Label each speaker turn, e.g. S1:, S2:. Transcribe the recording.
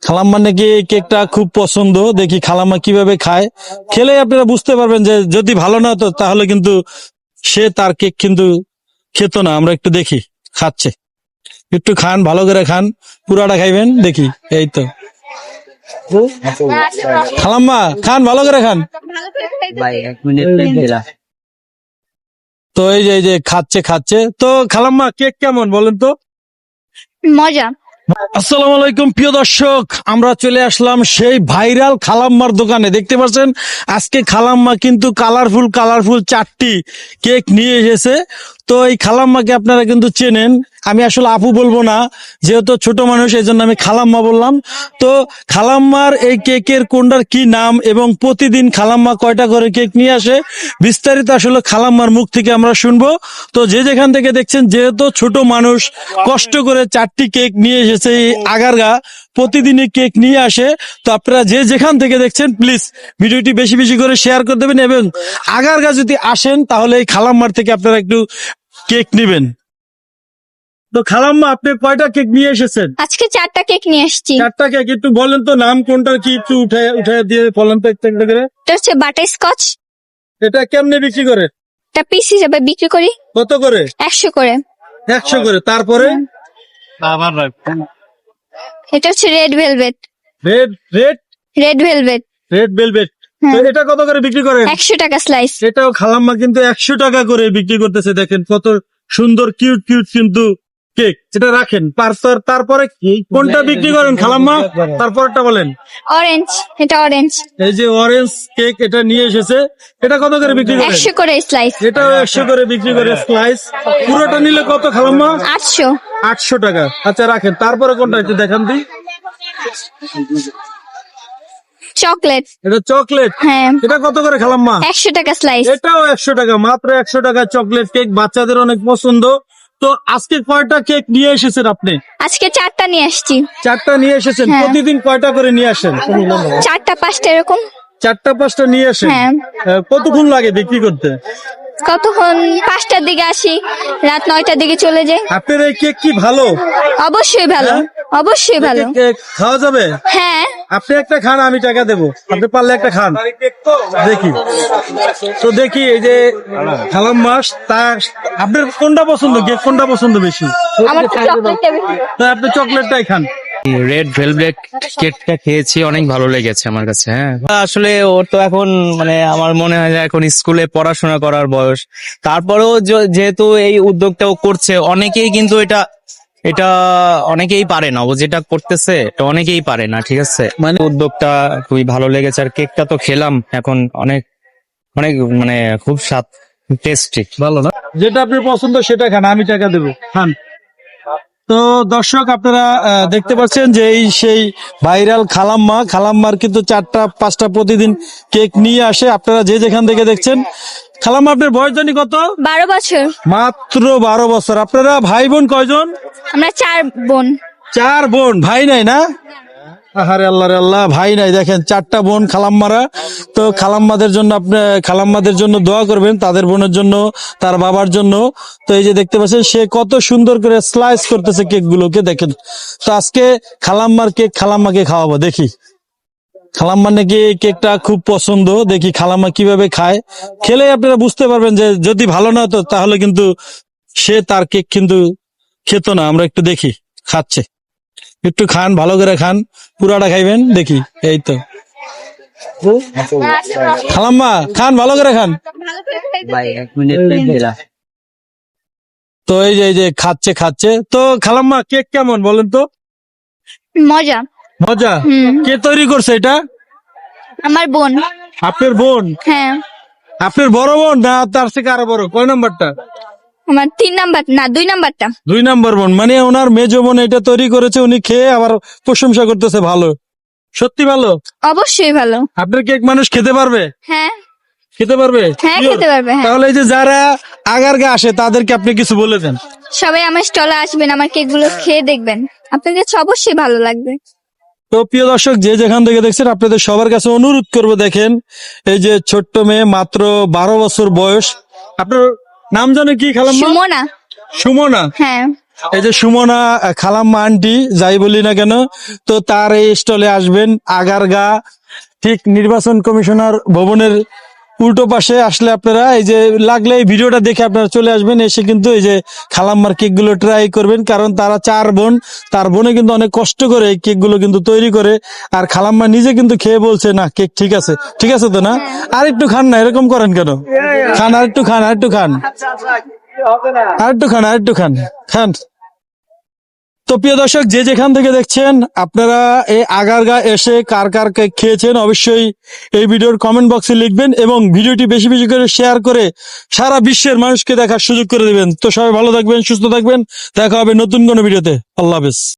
S1: খালাম্মা নাকি এই কেকটা খুব পছন্দ, দেখি খালাম্মা কিভাবে খায়। খেলে আপনারা বুঝতে পারবেন যে যদি ভালো না হতো তাহলে কিন্তু সে তার কেক কিন্তু খেত না। আমরা একটু দেখি খাচ্ছে, একটু খান, ভালো করে খান, পুরাটা খাইবেন দেখি। এই তো খালাম্মা খান, ভালো করে খান।
S2: ভাই 1 মিনিট দিলা।
S1: তো এই যে খাচ্ছে খাচ্ছে। তো খালাম্মা কেক কেমন বলেন তো?
S3: মজা।
S1: আসসালামু আলাইকুম প্রিয় দর্শক, আমরা চলে আসলাম সেই ভাইরাল খালাম্মার দোকানে। দেখতে পাচ্ছেন আজকে খালাম্মা কিন্তু কালারফুল 4টি কেক নিয়ে এসেছে। তো এই খালাম্মাকে আপনারা কিন্তু চেনেন, আমি আসলে আপু বলবো না যেহেতু ছোট মানুষ, এই জন্য আমি খালাম্মা বললাম। তো খালাম্মার এই কেকের কোনটার কি নাম এবং প্রতিদিন খালাম্মা কয়টা করে কেক নিয়ে আসে, বিস্তারিত আসলে খালাম্মার মুখ থেকে আমরা শুনবো। তো যে যেখান থেকে দেখছেন, যেহেতু ছোট মানুষ কষ্ট করে 4টি কেক নিয়ে এসেছে এই আগারগা, প্রতিদিনই কেক নিয়ে আসে। তো আপনারা যে যেখান থেকে দেখছেন প্লিজ ভিডিওটি বেশি বেশি করে শেয়ার করে দেবেন, এবং আগারগা যদি আসেন তাহলে এই খালাম্মার থেকে আপনারা একটু কেক নিবেন। তো খালাম্মা আপনি কয়টা কেক নিয়ে এসেছেন?
S3: আজকে 4টা কেক নিয়ে আসছি।
S1: 4টা কেক, একটু বলেন তো নাম কোনটার কি, একটু উঠে দিয়ে বলেন তো একটা একটা করে।
S3: এটা হচ্ছে বাটার স্কচ।
S1: এটা কেমনে বিক্রি করে?
S3: এটা পিস হিসেবে বিক্রি করি
S1: কত করে?
S3: 100 করে।
S1: 100 করে। তারপরে
S3: এটা হচ্ছে red velvet.
S1: Red red
S3: red velvet
S1: red velvet. তো এটা কত করে বিক্রি করেন?
S3: 100 টাকা স্লাইস।
S1: এটাও খালাম্মা কিন্তু 100 টাকা করে বিক্রি করতেছে। দেখেন কত সুন্দর কিউট কিউট কিন্তু কেক। এটা রাখেন। তারপরে কোনটা বিক্রি করেন খালাম্মা? তারপরটা বলেন।
S3: অরেঞ্জ, এটা অরেঞ্জ।
S1: এই যে অরেঞ্জ কেক এটা নিয়ে এসেছে, এটা কত করে বিক্রি করেন?
S3: 100 করে স্লাইস।
S1: এটাও 100 করে বিক্রি করে স্লাইস। পুরোটা নিলে কত খালাম্মা?
S3: 800।
S1: 800 টাকা। আচ্ছা রাখেন। তারপরে কোনটা একটু দেখান দিই।
S3: চকলেট।
S1: এটা চকলেট।
S3: হ্যাঁ,
S1: এটা কত করে খালাম্মা?
S3: 100 টাকা স্লাইস।
S1: এটাও 100 টাকা, মাত্র 100 টাকা চকলেট কেক, বাচ্চাদের অনেক পছন্দ। তো আজকে কয়টা কেক নিয়ে এসেছেন আপনি?
S3: আজকে 4টা নিয়ে আসছি।
S1: 4টা নিয়ে এসেছেন।
S3: হ্যাঁ।
S1: প্রতিদিন কয়টা করে নিয়ে আসেন?
S3: 4টা 5টা এরকম।
S1: 4টা 5টা নিয়ে আসেন।
S3: হ্যাঁ।
S1: কতক্ষণ লাগে বিক্রি করতে?
S3: কতক্ষণ? 5টার দিকে আসি, রাত 9টার দিকে চলে যাই।
S1: আপনার এই কেক কি ভালো?
S3: অবশ্যই ভালো,
S1: হ্যাঁ?
S3: অবশ্যই ভালো।
S1: কেক খাওয়া যাবে?
S3: হ্যাঁ,
S1: আপনি একটা খান, আমি টাকা দেবো। আপনি পারলে একটা খান দেখি। তো দেখি এই যে খালাম্মা, তা আপনার কোনটা পছন্দ, কেক কোনটা পছন্দ বেশি?
S3: আমার তো চকলেটটা বেশি।
S1: তো আপনি চকলেটটাই খান।
S2: রেড ভেলভেট কেকটা খেয়েছি, অনেক ভালো লেগেছে আমার কাছে। হ্যাঁ, আসলে ওর তো এখন মানে আমার মনে হয় যে এখন স্কুলে পড়াশোনা করার বয়স। তারপরেও যেহেতু এই উদ্যোগটাও করছে, অনেকেই কিন্তু এটা এটা অনেকেই পারে না, ও যেটা করতেছে এটা অনেকেই পারে না। ঠিক আছে, মানে উদ্যোগটা খুবই ভালো লেগেছে। আর কেকটা তো খেলাম, এখন অনেক অনেক মানে খুব স্বাদ, টেস্টি, ভালো না?
S1: যেটা আপনার পছন্দ সেটা খান, আমি টাকা দেবো, খান। তো দর্শক আপনারা দেখতে পাচ্ছেন যে এই সেই ভাইরাল খালাম্মার কিন্তু 4টা 5টা প্রতিদিন কেক নিয়ে আসে। আপনারা যে যেখান থেকে দেখছেন। খালাম্মা আপনার বয়স জানি কত?
S3: 12 বছর।
S1: মাত্র 12 বছর। আপনারা ভাই বোন কয়জন?
S3: আমরা 4 বোন।
S1: 4 বোন, ভাই নাই না? আহারে আল্লাহ রে আল্লাহ, ভাই নাই। দেখেন 4টা বোন খালাম্মারা। তো খালাম্মাদের জন্য আপনি খালাম্মাদের জন্য দোয়া করবেন, তাদের বোনের জন্য, তার বাবার জন্য। তো এই যে দেখতে পাচ্ছেন সে কত সুন্দর করে স্লাইস করতেছে কেক গুলোকে, দেখেন। তো আজকে খালাম্মার কেক খালাম্মাকে খাওয়াবো, দেখি খালাম্মার নাকি এই কেকটা খুব পছন্দ, দেখি খালাম্মা কিভাবে খায়। খেলে আপনারা বুঝতে পারবেন যে যদি ভালো না হতো তাহলে কিন্তু সে তার কেক কিন্তু খেত না। আমরা একটু দেখি খাচ্ছে, একটু খান, ভালো করে খান, পুরাটা খাইবেন দেখি। এই তো খালাম্মা খান, ভালো করে খান।
S2: ভাই 1 মিনিট দিলা।
S1: তো এই যে খাচ্ছে খাচ্ছে। তো খালাম্মা কেক কেমন বলেন তো?
S3: মজা।
S1: মজা। কে তৈরি করছে এটা?
S3: আমার বোন।
S1: আপনার বোন?
S3: হ্যাঁ,
S1: আপনার বড় বোন না তার থেকে আরো বড়? কয় নাম্বারটা?
S3: আমার 3 নাম্বার না 2 নাম্বারটা।
S1: 2 নাম্বার বোন। মানে ওনার মেজো বোন এটা তৈরি করেছে, উনি খেয়ে আবার প্রশংসা করতেছে ভালো। সত্যি ভালো?
S3: অবশ্যই ভালো।
S1: আপনার কেক মানুষ খেতে পারবে?
S3: হ্যাঁ,
S1: খেতে পারবে?
S3: হ্যাঁ খেতে পারবে। হ্যাঁ,
S1: তাহলে এই যে যারা আগারগা আসে তাদেরকে আপনি কিছু বলে দেন।
S3: সবাই আমার স্টলে আসবেন, আমার কেকগুলো খেয়ে দেখবেন, আপনাদের কাছে অবশ্যই ভালো লাগবে।
S1: তো প্রিয় দর্শক যে যেখান থেকে দেখছেন, আপনাদের সবার কাছে অনুরোধ করবো, দেখেন এই যে ছোট্ট মেয়ে, মাত্র 12 বছর বয়স। আপনার নাম জানে কি খালাম্মা?
S3: সুমনা।
S1: সুমনা।
S3: হ্যাঁ,
S1: এই যে সুমনা খালাম্মা আন্টি যাই বলি না কেন, তো তার এই স্টলে আসবেন আগারগা, ঠিক নির্বাচন কমিশনার ভবনের উল্টো পাশে আসলে আপনারা এই যে লাগলে এই ভিডিওটা দেখে আপনারা চলে আসবেন, এসে কিন্তু এই যে খালাম্মার কেক গুলো ট্রাই করবেন, কারণ তারা 4 বোন, তার বোনে কিন্তু অনেক কষ্ট করে এই কেক গুলো কিন্তু তৈরি করে, আর খালাম্মা নিজে কিন্তু খেয়ে বলছে না কেক ঠিক আছে, ঠিক আছে তো না? আর একটু খান না, এরকম করেন কেন? খান, আর একটু খান, আর একটু খান, আর একটু খান, আর একটু খান, খান। তো প্রিয় দর্শক, যে যেখান থেকে দেখছেন আপনারা এই আগারগা এসে কার কার কেক খেয়েছেন অবশ্যই এই ভিডিওর কমেন্ট বক্সে লিখবেন, এবং ভিডিওটি বেশি বেশি করে শেয়ার করে সারা বিশ্বের মানুষকে দেখার সুযোগ করে দিবেন। তো সবাই ভালো থাকবেন, সুস্থ থাকবেন, দেখা হবে নতুন কোনো ভিডিওতে। আল্লাহ হাফেজ।